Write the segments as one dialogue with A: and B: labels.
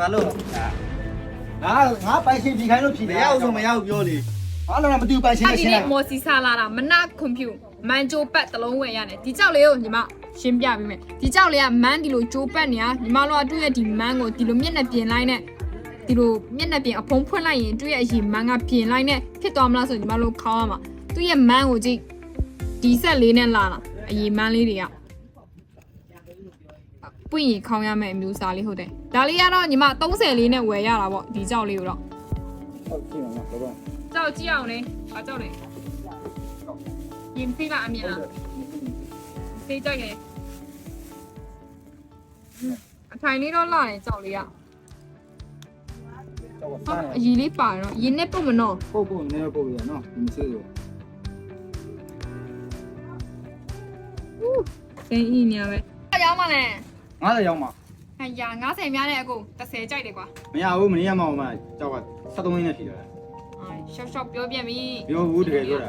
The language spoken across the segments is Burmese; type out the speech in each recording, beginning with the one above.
A: ဘာလို့
B: ငါပိုင်ရှင်ဒီခိုင်းလို့ဖြေ
A: မရဘူးဆိုမရဘူးပြောလေ
B: ဘာလို့မတူပိုင်ရှင်နဲ့ရှင်းလိုက်
C: မော်စီဆာလာတာမနာကွန်ပျူမန်ဂျိုပတ်တလုံးဝယ်ရတယ်ဒီကြောက်လေးကိုညီမရှင်းပြပေးမယ်ဒီကြောက်လေးကမန်းဒီလိုဂျိုပတ်နေရညီမတို့ကတွေ့ရဒီမန်းကိုဒီလိုမျက်နှာပြင်လိုက်နဲ့ဒီလိုမျက်နှာပြင်အဖုံးဖွင့်လိုက်ရင်တွေ့ရအရင်မန်းကပြင်လိုက်နဲ့ဖြစ်သွားမလားဆိုညီမတို့ခေါင်းရမှာသူ့ရဲ့မန်းကိုကြည့်ဒီဆက်လေးနဲ့လာတာအရင်မန်းလေးတွေကပွင့်ရင်ခေါင်းရမယ့်အမျိုးအစားလေးဟုတ်တယ်ဒါလေးကတော့ညီမ30လေးနဲ့ဝယ်ရတာပေါ့ဒီကြောက်လေးကိုတော့
B: ဟုတ်ပြီနော်ဘော
C: ကြောက်ကြည့်အောင်လေဘာကြောက်လဲရင်ဖေးပါအမြင်လားဖေးကြိုက်တယ်အထိုင်လေးတော့လာတယ်ကြောက်လေးကအကြီးလေးပါတော့ရင်းနဲ့ပုတ်မနော်
B: ပုတ်နေပုတ်ရနော်ဒီစေးရော
C: စိန်အင်းညာပဲရောက်မှလဲ
B: 90ရောက်မှာ
C: ဟန်ရ90များနဲ့အကုန်30ကြိုက်တယ်ကွာ
B: မရဘူးမနေရမအောင်မကြောက်က73ရင်းနဲ့ဖြေတယ်
C: ရှော့ရှော့ပြောပြပြီ
B: ပြောဘူးတကယ်ပြောတာ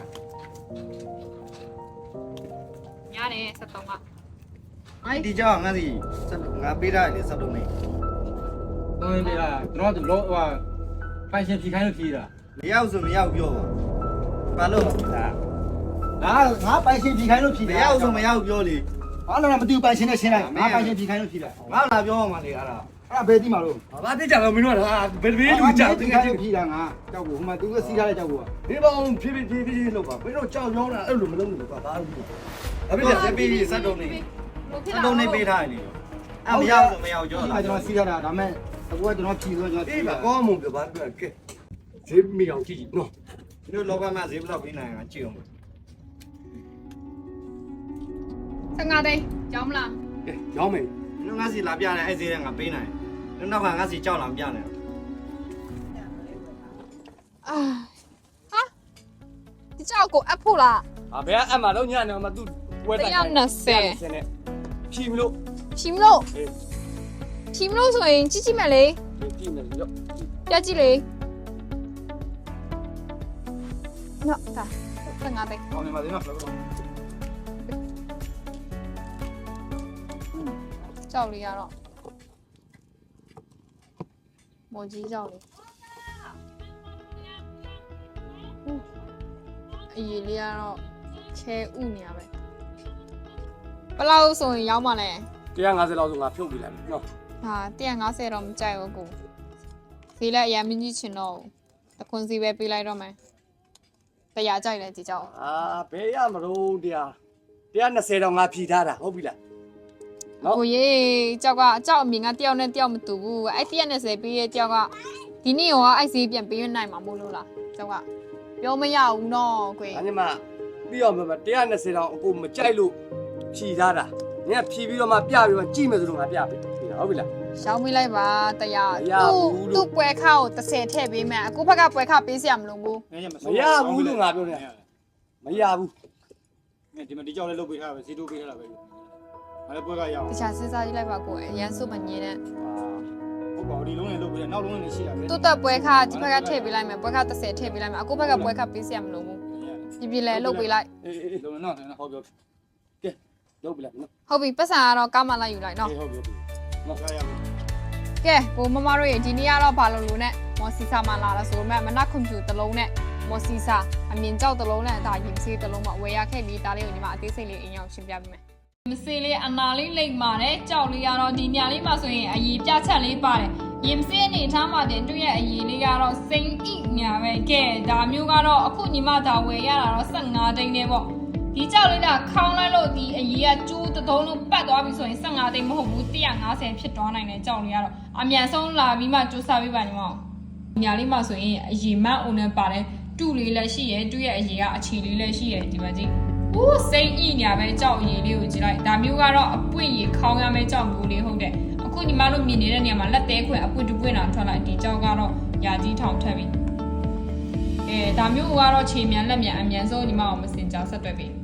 C: များတယ်73က
A: အဲ့ဒီကြောင်ငါစီငါပေးထားတယ်73နေ
B: တော့နေလားကျွန်တော်တို့ဟိုပိုင်ရှင်ဖြေခိုင်းလို့ဖြေတာ
A: မရဘူးဆိုမရဘူးပြောဘာလို့
B: ငါပိုင်ရှင်ဖြေခိုင်းလို့ဖြေ
A: မရဘူးဆိုမရဘူးပြောလေ
B: ဘာလို့မတူပိုင်ရှင်နဲ့ရှင်းလိုက်ငါပိုင်ရှင်ဖြေခိုင်းလို့ဖြေတာ
A: ငါလာပြောမှလေအဲ့ဒါ
B: အဲ့ဒါဘယ်သိမှာလို့
A: ဘာတိကြတော့မင်းတို့ကဘယ်လိုလူကြောက်တ
B: ဖြေ
A: ကယ်
B: ခိုင်း
A: ချင်း
B: လို့ဖြေတာငါကြောက်ကိုဟိုမှာသူကစီးထားတဲ့ကြောက်ကို
A: ဒီပေါင်းဖြည်းဖြည်းလုပ်ပါမင်းတို့ကြောက်ရောင်းတာအဲ့လိုမလုပ်ဘူးကွာဘာလို့အဖေကပေးပြီး73နေ73နေပေးထားတယ်လေအဲ့မရဘူးဆိုမရဘူးပြော
B: ဒီ
A: တာ
B: မှာကျွန်တော်စီးထားတာဒါမဲ့အခုကကျွန်တော်ဖြေဆိုကျွန်တော်
A: ဒီမှာကောင်းမှုပြောပါပြောကဲဈေးမီအောင်ကြည့်နော်ဒီလိုလောကမှာဈေးဘယ်လောက်ပေးနိုင်အောင်ကြည့်အောင်
C: 15သိန်းကြောင်းမလား
A: ကဲရောင်းမယ်နင်ငါစီလာပြတယ်အဲ့ဈေးကငါပေးနိုင်တယ်နောက်ကငါစီကြောက်လာမပြနဲ့
C: အာဟာဒီကြောက်ကိုအပ်ဖို့လား
D: ဘယ်ကအမှတော့ညနေမှသူ့ဝဲတို
C: 120
D: က်နဲ့ဖြီမလို့
C: ဖြီမလို့ဖြီမလို့ဆိုရင်ကြည့်ကြည့်မယ်လေ
D: ဖြီမယ်ရော
C: ပြကြည့်လေနော်ဒါ15သိန်း
B: အောင်နေပါသေးနော်
C: ကြောက်လေးရတော့မော်ကြီးကြောက်လေးအရေးလေးကတော့ချဲဥနေရပဲဘယ်လောက်ဆိုရင်ရောက်မှလဲ
D: 150လောက်ဆိုငါဖြုတ်ပြလိုက်မယ်နော်
C: ဟာ150တော့မကြိုက်ဘူးကိုဈေးလည်းအရင်မကြီးချင်တော့တခွန်စီပဲပေးလိုက်တော့မယ်တရားကြိုက်တယ်ဒီကြောက်
D: ဘယ်ရမလို့120တော့ငါဖြီထားတာဟုတ်ပြီလားနော်
C: ကိုရေကြောက်ကကြောက်အမြင်ကတယောက်နဲ့တယောက်မတူဘူးအဲ့120ပေးရဲ့ကြောက်ကဒီနေ့ရောအဲ့ဈေးပြန်ပေးရနိုင်မှာမို့လို့လားကြောက်ကပြောမရဘူးနော်ကို
D: အဲ့ဒီမှာပြီးတော့မှ120တော့အကိုမကြိုက်လို့ဖြီထားတာနင်ကဖြီပြီးတော့မှပြပြီးတော့ကြည့်မယ်ဆိုတော့ငါပြပေးဟုတ်ပြီလား
C: ရှောင်းပေးလိုက်ပါတရား
D: မရဘူးလို့
C: သူ့ပွဲခါကို30ထည့်ပေးမယ်အခုဘက်ကပွဲခါပေးစရာမလိုဘူး
D: မရဘူးလို့ငါပြောနေတာမရဘူး
B: ဒီမှာဒီကြောက်လေးလုတ်ပေးထားပဲစီတိုးပေးထားတာပဲအဲ့ဒါပွဲကရအောင်
C: တခြားစဉ်းစားကြည့်လိုက်ပါကိုအရန်စုမငင်းနဲ့
B: ဟုတ်ပါဘူးဒီလုံးလေးလုတ်ပေးတယ်နောက်လုံးလေးရှိတာပဲ
C: သူ့တက်ပွဲခါဒီဘက်ကထည့်ပေးလိုက်မယ်ပွဲခါ30ထည့်ပေးလိုက်မယ်အခုဘက်ကပွဲခါပေးစရာမလိုဘူးပြပြလဲလုတ်ပေးလိုက်
B: အေးလုံးနော်ဟုတ်ပြော
D: ကဲလုပ်ပြီလားနော်
C: ဟုတ်ပြီပတ်စံကတော့ကားမလိုက်ယူလိုက်နော်
B: ဟုတ်ပြောနော်ရရမယ်
C: ကဲကိုမမတို့ရေဒီနေ့ကတော့ဘာလို့လို့နဲ့မော်စီဆာမှလာတာဆိုတော့မနက်ကွန်ပျူတာတစ်လုံးနဲ့မော်စီဆာအမြင်ကြောက်တစ်လုံးနဲ့ဒါရင်စေးတစ်လုံးမှဝယ်ရခဲ့ပြီးဒါလေးကိုညီမအသေးစိတ်လေးအရင်အောင်ရှင်းပြပေးမယ်မစေးလေးအနာလေးလိမ့်ပါတယ်ကြောက်လေးကတော့ဒီညလေးမှာဆိုရင်အည်ပြချက်လေးပါတယ်ရင်စေးအနေထားမှာတင်တွေ့ရဲ့အည်လေးကတော့စိန်ဣညာပဲကဲဒါမျိုးကတော့အခုညီမဒါဝယ်ရတာတော့15သိန်းနဲ့ပေါ့ဒီကြောက်လေးကခေါင်းလိုက်လို့ဒီအရေးကကျိုးတုံးလုံးပတ်သွားပြီဆိုရင်15သိန်းမဟုတ်ဘူး150ဖြစ်သွားနိုင်တဲ့ကြောက်လေးကတော့အမြန်ဆုံးလာပြီးမှစူးစမ်းပေးပါညီမ။ညာလေးမှာဆိုရင်အရေးမအုံနဲ့ပါတယ်တူလေးလည်းရှိရယ်တူရဲ့အရေးကအခြေလေးလည်းရှိရယ်ဒီမှာကြည့်။အိုးစိမ့်ဤညာပဲကြောက်အရေးလေးကိုကြည့်လိုက်။ဒါမျိုးကတော့အပွင့်ရေခေါင်းရမယ့်ကြောက်မျိုးလေးဟုတ်တယ်။အခုညီမတို့မြင်နေတဲ့နေရာမှာလက်သေးခွင့်အပွင့်တပွင့်တာထွက်လိုက်ဒီကြောက်ကတော့ယာကြီးထောင်ထက်ပြီ။ဒါမျိုးကတော့ခြေမြန်လက်မြန်အမြန်ဆုံးညီမအောင်မစင်ကြောက်ဆက်တွဲပြီ။